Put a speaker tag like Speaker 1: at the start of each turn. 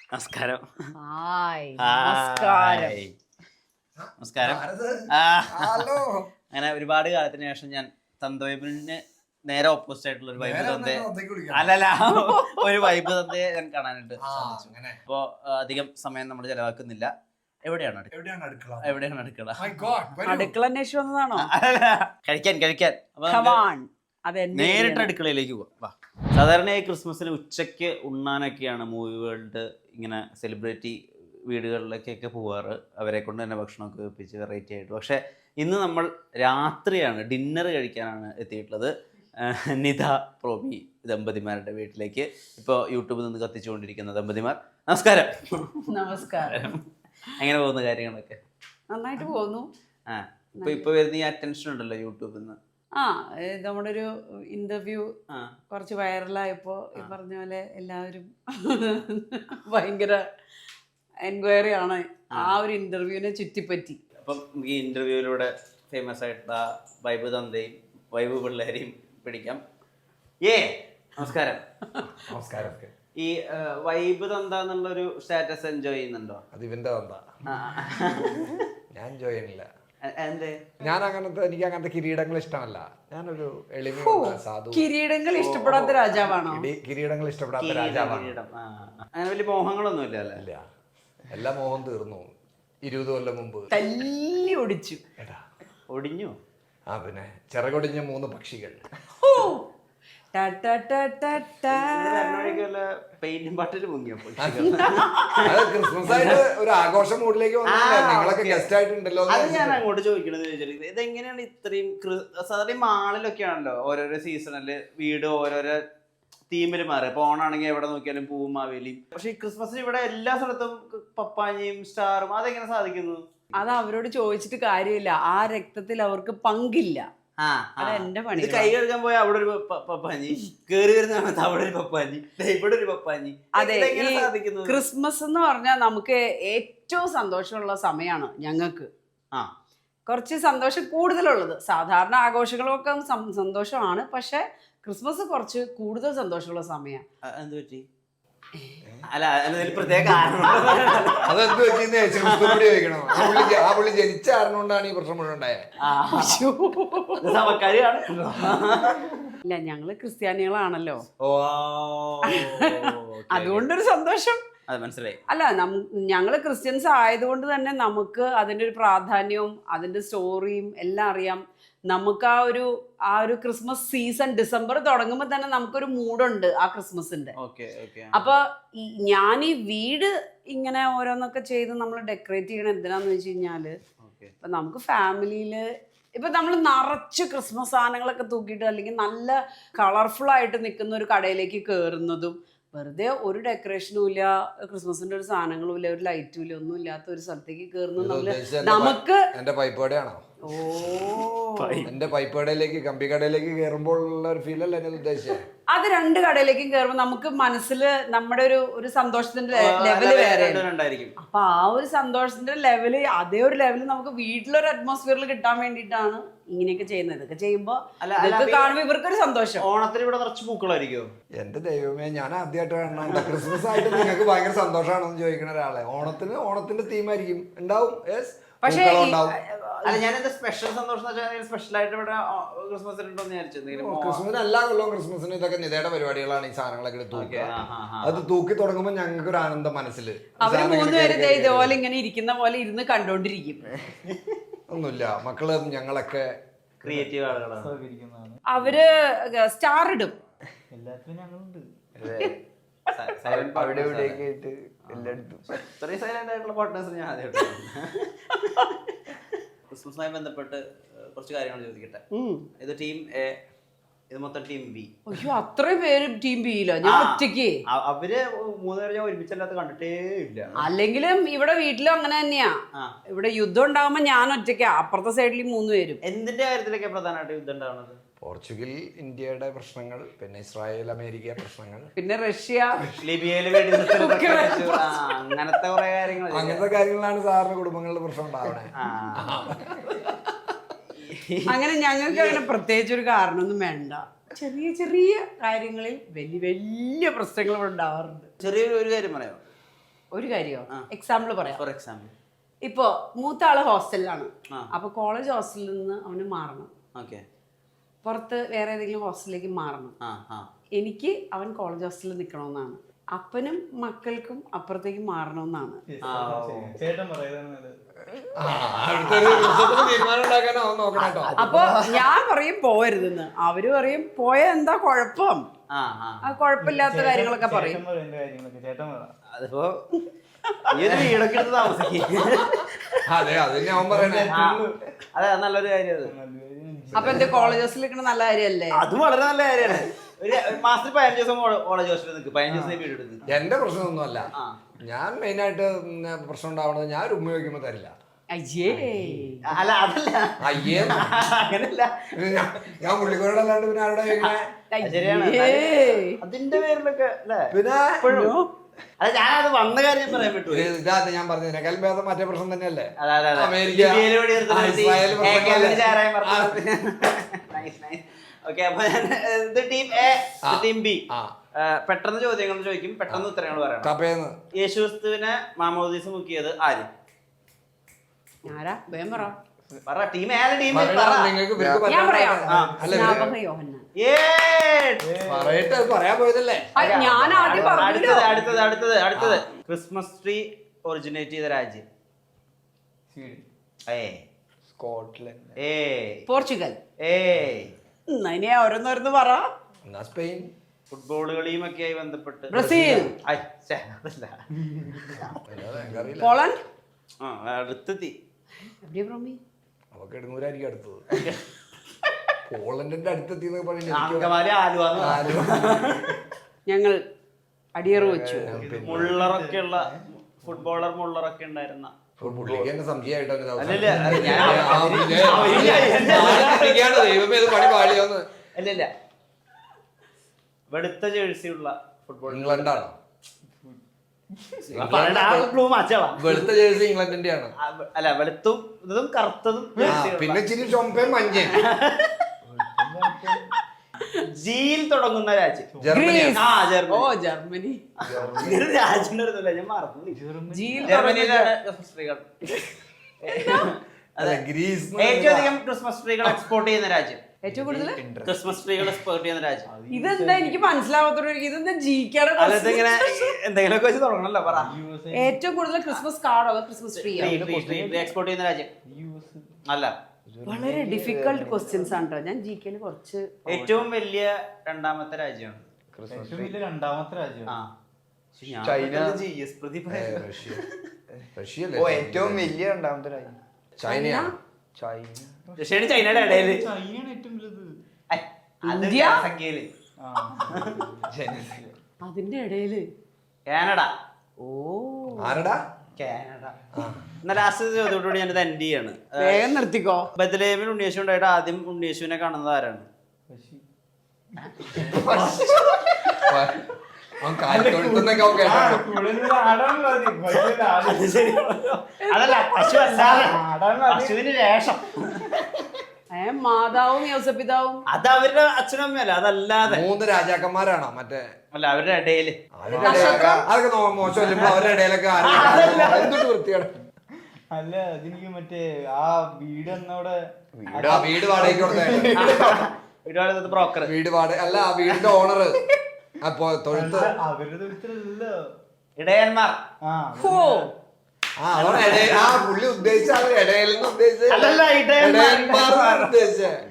Speaker 1: നമസ്കാരം.
Speaker 2: നമസ്കാരം.
Speaker 1: അങ്ങനെ ഒരുപാട് കാലത്തിന് ശേഷം ഞാൻ തന്തവൈബിന് നേരെ ഓപ്പോസിറ്റ് ആയിട്ടുള്ള ഒരു വൈബ് തന്തയെ ഒരു വൈബ് തന്തയെ ഞാൻ കാണാനായിട്ട് സാധിച്ചു. അപ്പോ അധികം സമയം നമ്മൾ ചെലവാക്കുന്നില്ല. എവിടെയാണ് അടുക്കള?
Speaker 2: അടുക്കള അന്വേഷിച്ചു വന്നതാണോ?
Speaker 1: കഴിക്കാൻ. നേരിട്ട് അടുക്കളയിലേക്ക് പോവാം. സാധാരണയായി ക്രിസ്മസിന് ഉച്ചയ്ക്ക് ഉണ്ണാനൊക്കെയാണ് മൂവി വേൾഡ് ഇങ്ങനെ സെലിബ്രിറ്റി വീടുകളിലേക്കൊക്കെ പോവാറ്. അവരെ കൊണ്ട് തന്നെ ഭക്ഷണമൊക്കെ വെപ്പിച്ച് വെറൈറ്റി ആയിട്ട്. പക്ഷേ ഇന്ന് നമ്മൾ രാത്രിയാണ്, ഡിന്നർ കഴിക്കാനാണ് എത്തിയിട്ടുള്ളത്. നിധ പ്രോബി ദമ്പതിമാരുടെ വീട്ടിലേക്ക്. ഇപ്പോൾ യൂട്യൂബിൽ നിന്ന് കത്തിച്ചുകൊണ്ടിരിക്കുന്ന ദമ്പതിമാർ, നമസ്കാരം. എങ്ങനെ പോകുന്ന കാര്യങ്ങളൊക്കെ?
Speaker 2: നന്നായിട്ട് പോകുന്നു.
Speaker 1: ഇപ്പൊ വരുന്ന ഈ അറ്റൻഷൻ ഉണ്ടല്ലോ യൂട്യൂബിൽ നിന്ന്.
Speaker 2: നമ്മുടെ ഒരു ഇന്റർവ്യൂ കുറച്ച് വൈറലായപ്പോ ഈ പറഞ്ഞ പോലെ എല്ലാവരും ഭയങ്കര എൻക്വയറി ആണ് ആ ഒരു ഇന്റർവ്യൂവിനെ ചുറ്റിപ്പറ്റി.
Speaker 1: അപ്പം ഈ ഇന്റർവ്യൂവിലൂടെ ഫേമസ് ആയിട്ടുള്ള വൈബ് തന്തയും വൈബ് പിള്ളേരെയും പിടിക്കാം. നമസ്കാരം. ഈ വൈബ് തന്ത എന്നുള്ളൊരു സ്റ്റാറ്റസ് എൻജോയ് ചെയ്യുന്നുണ്ടോ?
Speaker 3: അത് ഇവന്റെ തന്ത, ഞാൻ എൻജോയ് ചെയ്യുന്നില്ല.
Speaker 1: ഞാൻ
Speaker 3: എനിക്ക് അങ്ങനത്തെ കിരീടങ്ങൾ ഇഷ്ടമല്ല. ഞാനൊരു എളിമയുള്ള സാധു.
Speaker 2: കിരീടങ്ങൾ ഇഷ്ടപ്പെടാത്ത രാജാവാണോ?
Speaker 3: കിരീടങ്ങൾ ഇഷ്ടപ്പെടാത്ത രാജാവാണ്.
Speaker 1: അങ്ങനെ വലിയ മോഹങ്ങളൊന്നും ഇല്ല.
Speaker 3: എല്ലാ മോഹം തീർന്നു 20 കൊല്ലം മുമ്പ്.
Speaker 2: തല്ലി ഒടിച്ചു.
Speaker 1: ഒടിഞ്ഞു?
Speaker 3: പിന്നെ ചിറകൊടിഞ്ഞ 3 പക്ഷികൾ. ക്രിസ്മസ് ആയിട്ട് ഒരു ആഘോഷ മൂഡിലേക്ക് നിങ്ങളൊക്കെ ഗസ്റ്റ് ആയിട്ടുണ്ടല്ലോ.
Speaker 1: അത് ഞാൻ അങ്ങോട്ട് ചോദിക്കണത് ഇതെങ്ങനെയാണ് ഇത്രയും സാധാരണ മാളിലൊക്കെ ആണല്ലോ ഓരോരോ സീസണില് വീട് ഓരോരോ തീമില് മാറി. ഇപ്പൊ ഓണാണെങ്കിൽ എവിടെ നോക്കിയാലും പൂവും മാവേലിയും. പക്ഷെ ഈ ക്രിസ്മസിന് ഇവിടെ എല്ലാ സ്ഥലത്തും പപ്പാഞ്ഞിയും സ്റ്റാറും. അതെങ്ങനെ സാധിക്കുന്നു?
Speaker 2: അത് അവരോട് ചോദിച്ചിട്ട് കാര്യമില്ല. ആ രക്തത്തിൽ അവർക്ക് പങ്കില്ല. എന്റെ പണി.
Speaker 1: കൈ കഴുകാൻ പോയാൽ അവിടെ ഒരു പപ്പാഞ്ഞി, കേറി വരുന്ന സമയത്ത് അവിടെ ഒരു പപ്പാഞ്ഞി, ഇവിടെ ഒരു പപ്പാഞ്ഞി.
Speaker 2: അതെ, ക്രിസ്മസ് എന്ന് പറഞ്ഞാൽ നമുക്ക് ഏറ്റവും സന്തോഷമുള്ള സമയമാണ് ഞങ്ങൾക്ക്. കുറച്ച് സന്തോഷം കൂടുതലുള്ളത്. സാധാരണ ആഘോഷങ്ങളൊക്കെ സന്തോഷമാണ്, പക്ഷെ ക്രിസ്മസ് കുറച്ച് കൂടുതൽ സന്തോഷമുള്ള സമയമാണ്.
Speaker 1: എന്ത് പറ്റി? പ്രത്യേക കാരണം
Speaker 3: അതെന്ത് പറ്റിയെന്ന് ചോദിക്കണം. ആ പുള്ളി ജനിച്ച കാരണം കൊണ്ടാണ് ഈ പ്രശ്നം മുഴുവൻ ഉണ്ടായത്.
Speaker 2: ഇല്ല, ഞങ്ങള് ക്രിസ്ത്യാനികളാണല്ലോ, അതുകൊണ്ടൊരു സന്തോഷം.
Speaker 1: മനസ്സിലായി.
Speaker 2: അല്ല, ഞങ്ങള് ക്രിസ്ത്യൻസ് ആയതുകൊണ്ട് തന്നെ നമുക്ക് അതിന്റെ ഒരു പ്രാധാന്യവും അതിന്റെ സ്റ്റോറിയും എല്ലാം അറിയാം. നമുക്ക് ആ ഒരു ക്രിസ്മസ് സീസൺ ഡിസംബർ തുടങ്ങുമ്പോൾ തന്നെ നമുക്കൊരു മൂഡുണ്ട് ആ ക്രിസ്മസിന്റെ. അപ്പൊ ഞാൻ ഈ വീട് ഇങ്ങനെ ഓരോന്നൊക്കെ ചെയ്ത് നമ്മൾ ഡെക്കറേറ്റ് ചെയ്യണം എന്തിനാന്ന് വെച്ച് കഴിഞ്ഞാല്, ഇപ്പൊ നമുക്ക് ഫാമിലിയില് ഇപ്പൊ നമ്മൾ നിറച്ച് ക്രിസ്മസ് സാധനങ്ങളൊക്കെ തൂക്കിയിട്ട് അല്ലെങ്കിൽ നല്ല കളർഫുൾ ആയിട്ട് നിൽക്കുന്ന ഒരു കടയിലേക്ക് കയറുന്നതും, വെറുതെ ഒരു ഡെക്കറേഷനും ഇല്ല, ക്രിസ്മസിന്റെ ഒരു സാധനങ്ങളും ഇല്ല, ഒരു ലൈറ്റും ഇല്ല, ഒന്നും ഇല്ലാത്ത ഒരു സ്ഥലത്തേക്ക് കയറുന്നത് നമുക്ക്
Speaker 3: എന്റെ പൈപ്പേടയാണോ? എന്റെ പൈപ്പേടയിലേക്ക് കമ്പി കടയിലേക്ക് കയറുമ്പോൾ ഉള്ള ഒരു ഫീൽ അല്ല ഞാൻ ഉദ്ദേശിച്ചത്.
Speaker 2: അത് 2 കടയിലേക്കും കയറുമ്പോൾ നമുക്ക് മനസ്സിൽ നമ്മുടെ ഒരു സന്തോഷത്തിന്റെ ലെവല് വേറെ. അപ്പൊ ആ ഒരു സന്തോഷത്തിന്റെ ലെവല്, അതേ ഒരു ലെവല് നമുക്ക് വീട്ടിലൊരു അറ്റ്മോസ്ഫിയറിൽ കിട്ടാൻ വേണ്ടിയിട്ടാണ് ഇങ്ങനെയൊക്കെ ചെയ്യുന്നത്. ഇതൊക്കെ ചെയ്യുമ്പോ കാണുമ്പോ ഇവർക്കൊരു സന്തോഷം.
Speaker 1: ഓണത്തിന് ഇവിടെ നിറച്ച് പൂക്കളായിരിക്കും.
Speaker 3: എന്റെ ദൈവമേ, ഞാൻ ആദ്യമായിട്ട് കാണണം ക്രിസ്മസ് ആയിട്ട് നിങ്ങൾക്ക് ഭയങ്കര സന്തോഷമാണെന്ന് ചോദിക്കുന്ന ഒരാളെ. ഓണത്തിന്റെ തീമായിരിക്കും ഉണ്ടാവും.
Speaker 2: പക്ഷേ
Speaker 1: സ്പെഷ്യൽ സന്തോഷം സ്പെഷ്യൽ ആയിട്ട് ഇവിടെ
Speaker 3: ക്രിസ്മസിന് എല്ലാ കൊല്ലവും ക്രിസ്മസിന് ഇതൊക്കെ നിതയുടെ പരിപാടികളാണ്. ഈ സാധനങ്ങളൊക്കെ തൂക്കുക. അത് തൂക്കി തുടങ്ങുമ്പോൾ ഞങ്ങൾക്ക് ഒരു ആനന്ദം മനസ്സിൽ.
Speaker 2: അവര് 3 പേര് ഇതുപോലെ ഇങ്ങനെ ഇരിക്കുന്ന പോലെ ഇരുന്ന് കണ്ടോണ്ടിരിക്കും.
Speaker 3: ഒന്നുമില്ല, മക്കള് ഞങ്ങളൊക്കെ
Speaker 1: ക്രിയേറ്റീവ് ആളുകളാണ്.
Speaker 2: അവര് സ്റ്റാർ ഇടും
Speaker 1: എല്ലാത്തിനും. ഞങ്ങളുണ്ട്
Speaker 3: അവിടെ ഇവിടെയൊക്കെ ആയിട്ട് എല്ലായിടത്തും.
Speaker 1: ഇത്രയും സൈലന്റ് ആയിട്ടുള്ള പാർട്ട്നേഴ്സ് ഞാൻ ആദ്യമായിട്ട്. ക്രിസ്മസുമായി ബന്ധപ്പെട്ട് കുറച്ച് കാര്യങ്ങൾ ചോദിക്കട്ടെ. ഇത് ടീം എ, ഇത് മൊത്തം ടീം ബി.
Speaker 2: അയ്യോ, അത്രയും പേര് ടീം ബിയിലോ? ഞാൻ ഒറ്റയ്ക്ക്.
Speaker 1: അവര് 3 പേര് ഞാൻ ഒരുമിച്ചല്ലാത്ത കണ്ടിട്ടേ ഇല്ല.
Speaker 2: അല്ലെങ്കിലും ഇവിടെ വീട്ടിലും അങ്ങനെ തന്നെയാ. ഇവിടെ യുദ്ധം ഉണ്ടാകുമ്പോ ഞാൻ ഒറ്റയ്ക്കാ, അപ്പുറത്തെ സൈഡിൽ 3 പേരും.
Speaker 1: എന്തിന്റെ കാര്യത്തിലൊക്കെ പ്രധാനമായിട്ട് യുദ്ധം ഉണ്ടാവുന്നത്?
Speaker 3: പോർച്ചുഗൽ ഇന്ത്യയുടെ പ്രശ്നങ്ങൾ, പിന്നെ ഇസ്രായേൽ അമേരിക്ക പ്രശ്നങ്ങൾ,
Speaker 2: പിന്നെ റഷ്യ
Speaker 1: ലിബിയയില് അങ്ങനത്തെ കുറെ കാര്യങ്ങൾ.
Speaker 3: അങ്ങനത്തെ കാര്യങ്ങളാണ് സാറിന് കുടുംബങ്ങളുടെ പ്രശ്നം ഉണ്ടാവണേ.
Speaker 2: അങ്ങനെ ഞങ്ങൾക്ക് അങ്ങനെ പ്രത്യേകിച്ച് ഒരു കാരണമൊന്നും വേണ്ട. ചെറിയ ചെറിയ കാര്യങ്ങളിൽ വലിയ വലിയ പ്രശ്നങ്ങൾ ഉണ്ടാവാറുണ്ട്.
Speaker 1: ചെറിയൊരു കാര്യം പറയാമോ?
Speaker 2: ഒരു കാര്യോ എക്സാമ്പിൾ പറയാം.
Speaker 1: ഫോർ എക്സാമ്പിൾ
Speaker 2: ഇപ്പൊ മൂത്ത ആള് ഹോസ്റ്റലിലാണ്.
Speaker 1: ആ.
Speaker 2: അപ്പൊ കോളേജ് ഹോസ്റ്റലിൽ നിന്ന് അവന് മാറണം,
Speaker 1: ഓക്കെ.
Speaker 2: പുറത്ത് വേറെ ഏതെങ്കിലും ഹോസ്റ്റലിലേക്ക് മാറണം.
Speaker 1: ആ ആ
Speaker 2: എനിക്ക് അവൻ കോളേജ് ഹോസ്റ്റലിൽ നിൽക്കണമെന്നാണ്. അപ്പനും മക്കൾക്കും അപ്പുറത്തേക്ക് മാറണമെന്നാണ്.
Speaker 4: ചേട്ടൻ പറയുന്നത്
Speaker 3: അടുത്തൊരു തീരുമാനം ഉണ്ടാക്കാനോ നോക്കണം കേട്ടോ.
Speaker 2: അപ്പൊ ഞാൻ പറയും പോവരുതെന്ന്, അവര് പറയും പോയ എന്താ കുഴപ്പം,
Speaker 1: ആ ആ
Speaker 2: ആ കുഴപ്പമില്ലാത്ത കാര്യങ്ങളൊക്കെ പറയും.
Speaker 4: കാര്യങ്ങളൊക്കെ ചേട്ടൻ പറ.
Speaker 1: അതിപ്പോ ഈ ഒരു വീടൊക്കെ എടുത്ത് താമസിക്കും.
Speaker 3: അതെ അത് ഞാൻ പറയണേ.
Speaker 1: അതെ, അത് നല്ലൊരു കാര്യം അത്.
Speaker 2: അപ്പൊ എന്താ കോളേജ് ഹോസ്റ്റലിൽ നിൽക്കണ നല്ല കാര്യമല്ലേ?
Speaker 1: അതും വളരെ നല്ല കാര്യമാണ്. ഒരു മാസത്തിൽ 15 ദിവസം കോളേജ് ഹോസ്റ്റലിൽ നിൽക്കും, 15 ദിവസം വീട് എടുക്കും.
Speaker 3: എന്റെ പ്രശ്നമൊന്നുമല്ല.
Speaker 1: ആ.
Speaker 3: ഞാൻ മെയിനായിട്ട് പ്രശ്നം ഉണ്ടാവണത് ഞാൻ ഒരു ഉമ്മ വയ്ക്കുമ്പോ തരില്ല.
Speaker 2: അയ്യേ,
Speaker 1: അല്ല അതല്ല,
Speaker 3: അയ്യേ
Speaker 1: അങ്ങനല്ല.
Speaker 3: ഞാൻ പുള്ളിക്കോടല്ലാണ്ട് പിന്നെ ആരുടെ ചോദിക്കണേ?
Speaker 1: ശരിയാണ്.
Speaker 2: അയ്യേ.
Speaker 1: അതിന്റെ പേരിലൊക്കെ അല്ലേ
Speaker 3: പിന്നെ
Speaker 1: അല്ല, ഞാനത് വന്ന കാര്യം ഞാൻ പറയാൻ പറ്റൂ.
Speaker 3: ഇതാ ഞാൻ പറഞ്ഞതിനേക്കാളും ഭേദം മറ്റേ പ്രശ്നം തന്നെയല്ലേ? America, Israel
Speaker 1: okay. അപ്പൊ ഇത് ടീം എ, ടീം ബി. പെട്ടെന്ന് ചോദ്യങ്ങൾ ചോദിക്കും, പെട്ടെന്ന് ഉത്തരങ്ങൾ പറയണം.
Speaker 3: കപ്പേന്ന്
Speaker 1: യേശുക്രിസ്തുവിനെ മാമോദീസ മുക്കിയത് ആര്?
Speaker 2: ആരാ? വേഗം പറ.
Speaker 1: പറ, ടീം എ ടീം
Speaker 3: നിങ്ങൾക്ക്
Speaker 2: ഞാൻ പറയാം.
Speaker 3: അല്ല
Speaker 2: സ്നാപക യോഹന്നാൻ.
Speaker 3: പറയട്ടെ, അത് പറയാൻ പോയതല്ലേ?
Speaker 2: ഞാൻ ആദ്യം പറഞ്ഞു.
Speaker 1: അടുത്തത് ക്രിസ്മസ് ട്രീ ഒറിജിനേറ്റ് ചെയ്ത രാജ്യം?
Speaker 3: സ്കോട്ട്ലൻഡ്.
Speaker 2: പോർച്ചുഗൽ. ഇനി ഓരോന്നോരോന്ന് പറ.
Speaker 3: എന്നാ സ്പെയിൻ.
Speaker 1: ഫുട്ബോൾ കളിയും ഒക്കെ ആയി ബന്ധപ്പെട്ട്
Speaker 2: ബ്രസീൽ. പോളണ്ട്.
Speaker 1: അടുത്തെത്തി.
Speaker 2: എവിടെയാ ബ്രോമി?
Speaker 3: അവക്ക് എടുന്നൂരായിരിക്കും അടുത്തത്. പോളണ്ടിന്റെ അടുത്തെത്തി
Speaker 1: അങ്കമാലി, ആലുവ.
Speaker 2: ഞങ്ങൾ അടിയറു വെച്ചു.
Speaker 1: മുള്ളറൊക്കെ ഉള്ള ഫുട്ബോളർ, മുള്ളറൊക്കെ ഉണ്ടായിരുന്ന
Speaker 3: പുള്ളിക്ക് എന്നെ സംശയമായിട്ടോ ദൈവമേ ഇത് പണി പാളിയോന്ന്.
Speaker 1: അല്ലല്ല, വെളുത്ത ജേഴ്സി ഉള്ള ഫുട്ബോൾ.
Speaker 3: ഇംഗ്ലണ്ടാണോ? വെളുത്ത ജേഴ്സി ഇംഗ്ലണ്ടിന്റെ ആണ്.
Speaker 1: അല്ല, വെളുത്തും ഇതും കറുത്തതും
Speaker 3: പിന്നെ ഇച്ചിരി ചൊമ്പയും മഞ്ഞയും.
Speaker 1: ജിയിൽ തുടങ്ങുന്ന രാജ്യം?
Speaker 2: ഗ്രീസ്.
Speaker 1: ആ, ജർമ്മനി.
Speaker 2: ഓ, ജർമ്മനി.
Speaker 1: രാജ്യം ഞാൻ മറന്നു.
Speaker 2: ജിയിൽ
Speaker 1: ജർമ്മനിയിലാണ് ക്രിസ്മസ് ട്രീകൾ.
Speaker 3: അല്ല, ഗ്രീസ്
Speaker 1: ഏറ്റവും അധികം ക്രിസ്മസ് ട്രീകൾ എക്സ്പോർട്ട് ചെയ്യുന്ന രാജ്യം?
Speaker 2: ഏറ്റവും കൂടുതൽ
Speaker 1: ക്രിസ്മസ് ട്രീകൾ എക്സ്പോർട്ട് ചെയ്യുന്ന രാജ്യം?
Speaker 2: ഇതെന്താ എനിക്ക് മനസ്സിലാവാത്തൊരു, ഇതെന്താ ജിക്കാടെ
Speaker 1: ഇങ്ങനെ എന്തെങ്കിലുമൊക്കെ വെച്ച് തുടങ്ങണല്ലോ. പറ.
Speaker 2: ഏറ്റവും കൂടുതൽ ക്രിസ്മസ് കാർഡോ ക്രിസ്മസ് ട്രീ
Speaker 1: എക്സ്പോർട്ട് ചെയ്യുന്ന രാജ്യം? അല്ല,
Speaker 2: വളരെ ഡിഫിക്കൽട്ട് ക്വസ്റ്റ്യൻസ് ആണ് കേട്ടോ. ഞാൻ ജിക്കയില് കുറച്ച്.
Speaker 1: ഏറ്റവും വലിയ രണ്ടാമത്തെ രാജ്യമാണ്?
Speaker 4: ഏറ്റവും വലിയ രണ്ടാമത്തെ രാജ്യം
Speaker 3: ചൈന.
Speaker 1: റഷ്യ.
Speaker 3: റഷ്യ
Speaker 5: ഏറ്റവും വലിയ രണ്ടാമത്തെ രാജ്യം
Speaker 3: ചൈനയാ.
Speaker 1: റഷ്യയാണ് ചൈനയുടെ ഇടയില്.
Speaker 4: ചൈനയാണ് ഏറ്റവും വലുത്.
Speaker 2: ഇന്ത്യ.
Speaker 1: സംഖ്യയില്
Speaker 2: അതിന്റെ ഇടയില്
Speaker 1: കാനഡ.
Speaker 2: ഓ,
Speaker 3: ആരടാ?
Speaker 1: കാനഡ. എന്നാ ലാസ്റ്റ് ചോദ്യത്തോടുകൂടി ഞാനിത് എൻഡ് ചെയ്യാണ്.
Speaker 2: വേഗം നിർത്തിക്കോ.
Speaker 1: ബത്ലഹേമിൽ ഉണ്ണിയേശു ഉണ്ടായിട്ട് ആദ്യം ഉണ്ണിയേശുവിനെ കാണുന്നത് ആരാണ്?
Speaker 3: അവൻ കാലിത്തൊഴുത്തുന്നൊക്കെ അവൻ കേട്ടോ.
Speaker 1: അതല്ല, പശു അല്ലാതെ പശുവിന് രേഷം.
Speaker 2: മാതാവും യോസപിതാവും
Speaker 1: അത് അവരുടെ അച്ഛനും അമ്മയല്ല, അതല്ലാതെ
Speaker 3: 3 രാജാക്കന്മാരാണോ മറ്റേ?
Speaker 1: അല്ല, അവരുടെ ഇടയില്.
Speaker 3: അതൊക്കെ മോശമല്ല. അവരുടെ ഇടയിലൊക്കെ എന്തൊട്ട് വൃത്തിയാണ്.
Speaker 4: അല്ല, അതെനിക്ക് മറ്റേ ആ വീട് എന്നവിടെ
Speaker 3: വീട് വാടകയ്ക്ക് കൊടുത്തേ.
Speaker 1: ബ്രോക്കർ.
Speaker 3: വീട് വാടക അല്ല, ആ വീടിന്റെ ഓണർ. അപ്പൊ തൊഴുത്ത്
Speaker 4: അവരുടെ തൊഴുത്തിലല്ലോ
Speaker 1: ഇടയന്മാർ.
Speaker 3: പുള്ളി ഉദ്ദേശിച്ച ഇടയിൽ നിന്ന്
Speaker 1: അല്ലല്ല, ഇടയന്മാർ.
Speaker 3: ഉദ്ദേശിച്ചേ